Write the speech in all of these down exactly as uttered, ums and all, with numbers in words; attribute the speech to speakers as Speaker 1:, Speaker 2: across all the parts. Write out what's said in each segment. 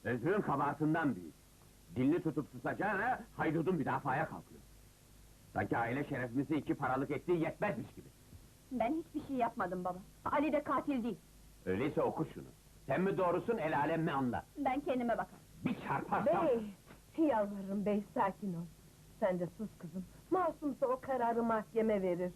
Speaker 1: Özrün kabahatinden büyük. Dilini tutup susacağına, haydudun müdafaya kalkıyor. Sanki aile şerefimizi iki paralık ettiği yetmezmiş gibi.
Speaker 2: Ben hiçbir şey yapmadım baba. Ali de katil değil.
Speaker 1: Öyleyse oku şunu. Sen mi doğrusun, el alem mi anla.
Speaker 2: Ben kendime bakarım.
Speaker 1: Bir çarparsam...
Speaker 3: Bey, yalvarırım bey, sakin ol. Sen de sus kızım. Masumsa o kararı mahkeme verir.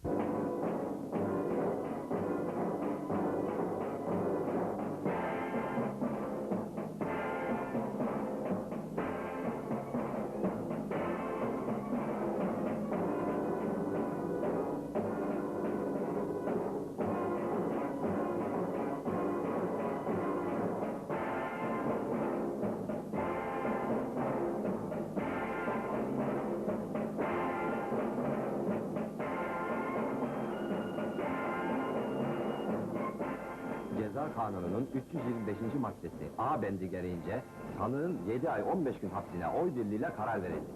Speaker 4: Ceza Kanunu'nun üç yüz yirmi beşinci maddesi A bendi gereğince sanığın yedi ay on beş gün hapsine oy birliğiyle karar verildi.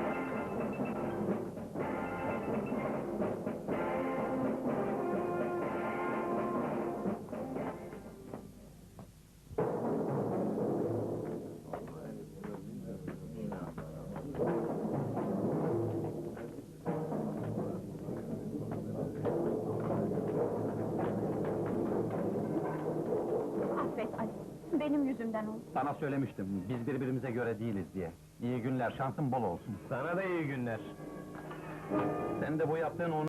Speaker 2: Affet Ali, benim yüzümden oldu.
Speaker 4: Sana söylemiştim, biz birbirimize göre değiliz diye. İyi günler, şansın bol olsun.
Speaker 5: Sana da iyi günler.
Speaker 4: Sen de bu yaptığın